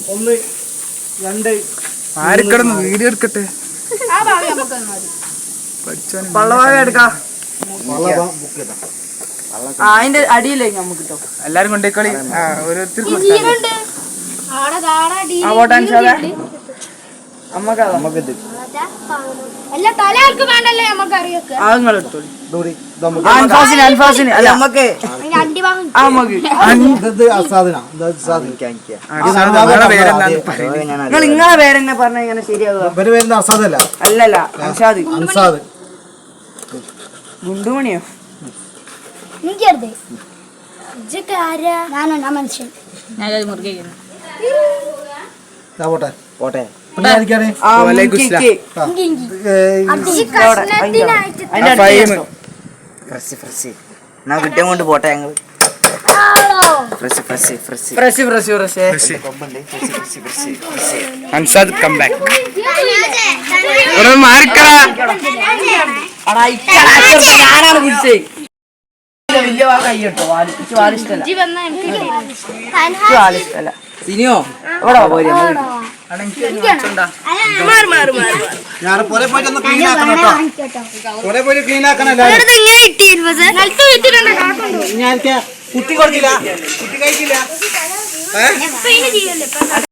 1 2 ആരൊക്കെടന്ന് video എടുക്കട്ടെ. പള്ളവാഴ എടുക്കാം. അതിന്റെ അടിയില്ലേ നമുക്ക് കിട്ടും. എല്ലാരും കൊണ്ടേക്കളി. ഓരോരുത്തർക്കും നിങ്ങളെ പേരെന്നെ പറഞ്ഞ ഇങ്ങനെ ശരിയാവുക. അല്ലല്ല അൻസാദ്. ഗുണ്ടുമണിയോ? കിട്ടിയ കൊണ്ട് പോട്ടെ ഞങ്ങള്. Ansad come back. മാറിക്കളാ. ഞാനാണ് കുടിച്ചേ. വലിയ കൈട്ടോ വാലിഷ്ടല്ല. സിനിയോ ഇവിടെ ഞാൻ പോലെ പോയിട്ട് ഒന്ന് ക്ലീൻ ആക്കണം കേട്ടോ. പോലെ പോയിട്ട് ക്ലീൻ ആക്കണം. ഞാൻ കുട്ടി കൊടുക്കില്ല, കുട്ടി കഴിക്കില്ല.